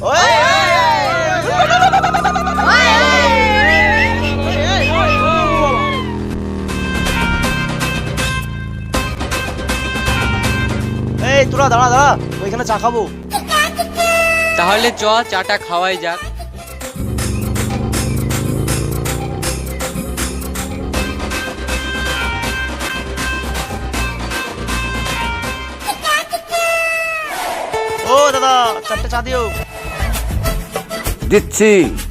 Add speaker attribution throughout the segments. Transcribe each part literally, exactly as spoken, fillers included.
Speaker 1: এই তোরা দাঁড়া দাঁড়া, ওইখানে চা খাবো।
Speaker 2: তাহলে চ চাটা খাওয়াই যাক।
Speaker 1: ও দাদা, চারটে চা দিও।
Speaker 3: দিচ্ছি।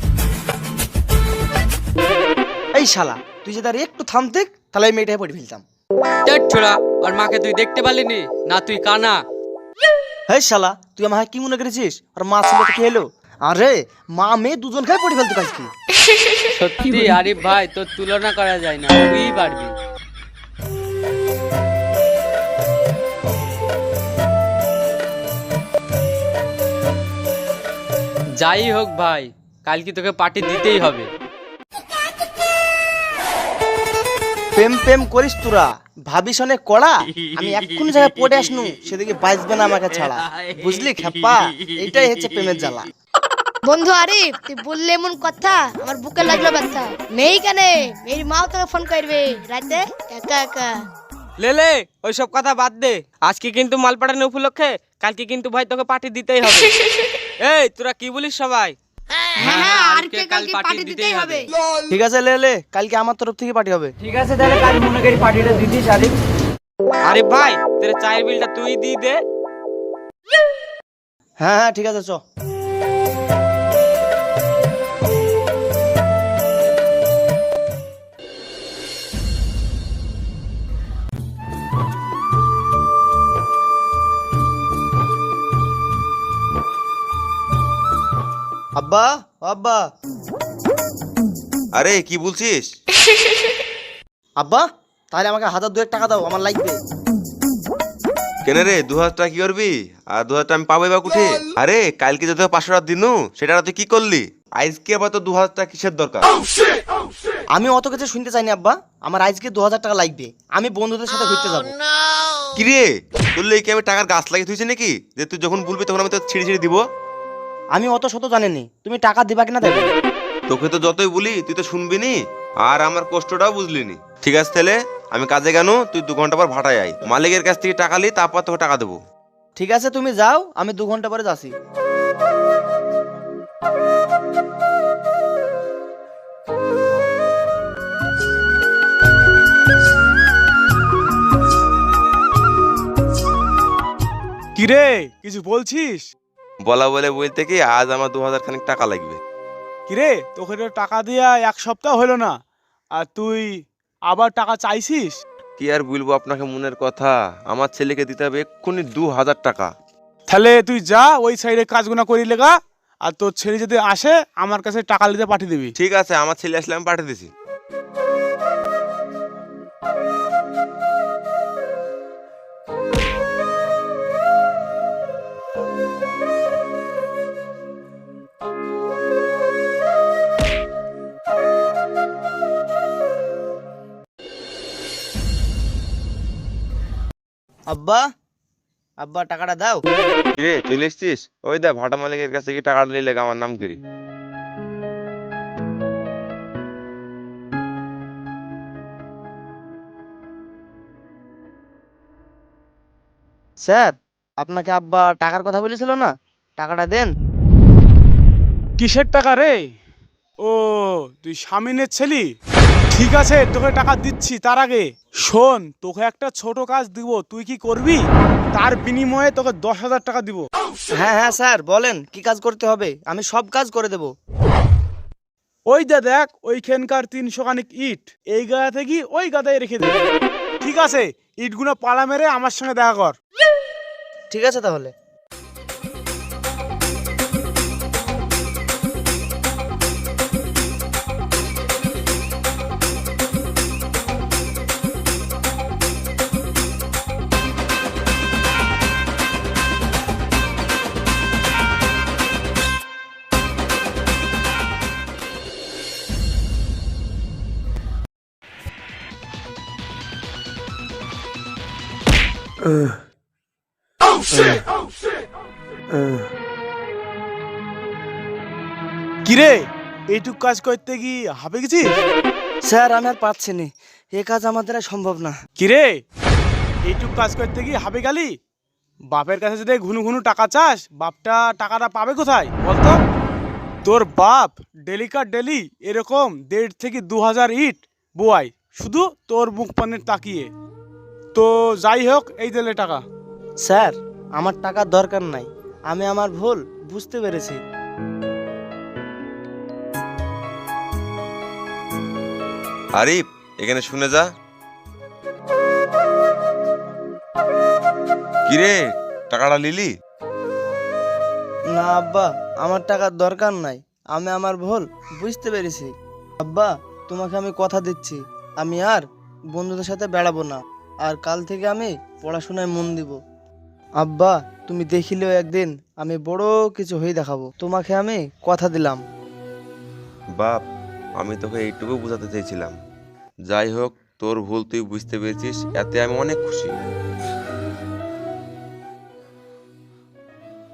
Speaker 1: এই শালা, তুই যদি আর একটু থামতে তাহলে এই মেয়েটাকে পড়ে ফেলতাম।
Speaker 2: ছোড়া, আর মাকে তুই দেখতে পারলিনি না? তুই কানা।
Speaker 1: এই শালা, তুই আমার কি মনে করেছিস? আর মা ছিল তো কি হলো? আরে মা মেয়ে দুজন খাই পড়ে ফেলতে পারছি।
Speaker 2: সত্যি আরিফ ভাই, তোর তুলনা করা যায় না, তুই পারবি। যাই হোক ভাই, কালকে তোকে পার্টি দিতেই হবে।
Speaker 1: প্রেম প্রেম করিস তোরা, ভাবিস অনেক কড়া। আমি এক্ষুনি জায়গায় পড়ে আসনু, সেদিকে বাঁচবে না আমাকে ছাড়া, বুঝলি খেপা? এইটাই হচ্ছে প্রেমের জ্বালা।
Speaker 4: বন্ধু আরিফ, তুই বললে এমন কথা আমার বুকে লাগলো ব্যথা। মেয়ে কেনে, মেয়ের মাও তোকে ফোন করবে রাতে একা একা।
Speaker 5: লেলে ওইসব কথা বাদ দে, আজকে কিন্তু মাল পাঠানো উপলক্ষে কালকে কিন্তু ভাই তোকে পার্টি দিতেই হবে। এই তোরা কি বলিস সবাই?
Speaker 4: হ্যাঁ হ্যাঁ, আরিফকে কালকে পার্টি দিতেই হবে।
Speaker 1: ঠিক আছে লে লে, কালকে আমার তরফ থেকে পার্টি হবে।
Speaker 3: ঠিক আছে, তাহলে কাল মনে করি পার্টিটা দিতিস আরিফ।
Speaker 5: আরিফ ভাই, তোর চায়ের বিলটা তুই দিয়ে দে।
Speaker 1: হ্যাঁ হ্যাঁ ঠিক আছে, চ। আব্বা, আব্বা।
Speaker 6: আরে কি বলছিস?
Speaker 1: আব্বা, তাহলে আমাকে হাজার দুয়েক টাকা দাও, আমার লাগবে।
Speaker 6: কেন রে, দু হাজার টাকা কি করবি? আর দু হাজার টাকা আমি পাবো বা কুঠে? আরে কালকে যদি পাঁচশো টাকা দিনু, সেটা তুই কি করলি? আজকে আবার তো দু হাজার টাকা কিসের দরকার?
Speaker 1: আমি অত কিছু শুনতে চাইনি আব্বা, আমার আজকে দু হাজার টাকা লাগবে, আমি বন্ধুদের সাথে ঘুরতে যাবো।
Speaker 6: কি রে, তোর কি আমি টাকার গাছ লাগিয়ে তুইছি নাকি যে তুই যখন বলবি তখন আমি তো ছিঁড়ে ছিঁড়ে দিব?
Speaker 1: আমি অত শত জানিনি, তুমি টাকা দিবা কিনা দেবে।
Speaker 6: তোকে তো যতই বলি তুই তো শুনবি নি, আর আমার কষ্টটাও বুঝলি নি। ঠিক আছে তাহলে আমি কাজে গেল, তুই দু ঘন্টা পর ভাটায় আই, মালিকের কাছ থেকে টাকা লি, তারপর তোকে টাকা দেবো।
Speaker 1: ঠিক আছে, তুমি যাও, আমি দু ঘন্টা পরে যাচ্ছি।
Speaker 7: কিরে, কিছু বলছিস?
Speaker 6: বলা বলে বলতে কি, আজ আমার দু হাজার খানিক টাকা লাগবে।
Speaker 7: কিরে, তোকে তো টাকা দিয়া এক সপ্তাহ হলো না, আর তুই আবার টাকা চাইছিস?
Speaker 6: কি আর বলবো আপনাকে মনের কথা, আমার ছেলেকে দিতে হবে এক্ষুনি দু হাজার টাকা।
Speaker 7: তাহলে তুই যা ওই সাইডে কাজগুনা করি লেগা, আর তোর ছেলে যদি আসে আমার কাছে টাকা নিতে পাঠিয়ে দিবি।
Speaker 6: ঠিক আছে, আমার ছেলে আসলে আমি পাঠিয়ে দিছি।
Speaker 1: আব্বা, আব্বা টাকাটা দাও।
Speaker 6: রে চলে এসছিস? ওই দা ভাটা মালিকের কাছে কি টাকা নিলে আমার নাম করি।
Speaker 1: স্যার, আপনাকে আব্বা টাকার কথা বলেছিল না, টাকাটা দেন।
Speaker 7: কিসের টাকা রে? ও, তুই স্বামীনের ছেলি? ঠিক আছে, তোকে টাকা দিচ্ছি। তার আগে শোন, তোকে একটা ছোট কাজ দিব, তুই কি করবি? তার বিনিময়ে তোকে দশ হাজার টাকা দিব।
Speaker 1: হ্যাঁ হ্যাঁ স্যার, বলেন কি কাজ করতে হবে, আমি সব কাজ করে দেব।
Speaker 7: ওই দে দেখ, ওইখানকার তিনশো খানিক ইট এই গাদা থেকে ওই গাদায় রেখে দে। ঠিক আছে, ইটগুলো পালা মেরে আমার সঙ্গে দেখা কর।
Speaker 1: ঠিক আছে তাহলে।
Speaker 7: কিরে এইটুক কাজ করতে কি হাঁপে গেছিস?
Speaker 1: স্যার আমি আর পাচ্ছি না, এ কাজ আমার দ্বারা সম্ভব না।
Speaker 7: কিরে এইটুক কাজ করতে কি হাঁপে গেলি? বাপের কাছে যদি ঘুনু ঘুনু টাকা চাস, বাপটা টাকাটা পাবে কোথায় বলতো? তোর বাপ ডেলিকার ডেলি এরকম দেড় থেকে দু হাজার ইট বোয়াই, শুধু তোর মুখ পানের তাকিয়ে। তো যাই হোক, এই দিলে টাকা।
Speaker 1: স্যার আমার টাকার দরকার নাই, আমি আমার ভুল বুঝতে পেরেছি।
Speaker 6: আরিফ এখানে শুনে যা। কিরে টাকাটা লিলি?
Speaker 1: না আব্বা, আমার টাকার দরকার নাই, আমি আমার ভুল বুঝতে পেরেছি। আব্বা তোমাকে আমি কথা দিচ্ছি, আমি আর বন্ধুদের সাথে বেড়াবো না, আর কাল থেকে আমি পড়াশোনায় মন দিব। আব্বা তুমি দেখিলেও একদিন আমি বড় কিছু হয়ে দেখাবো, তোমাকে আমি কথা দিলাম।
Speaker 6: বাপ আমি তোকে এইটুকু বোঝাতে চেয়েছিলাম। যাই হোক, তোর ভুল তুই বুঝতে পেরেছিস, এতে আমি অনেক খুশি।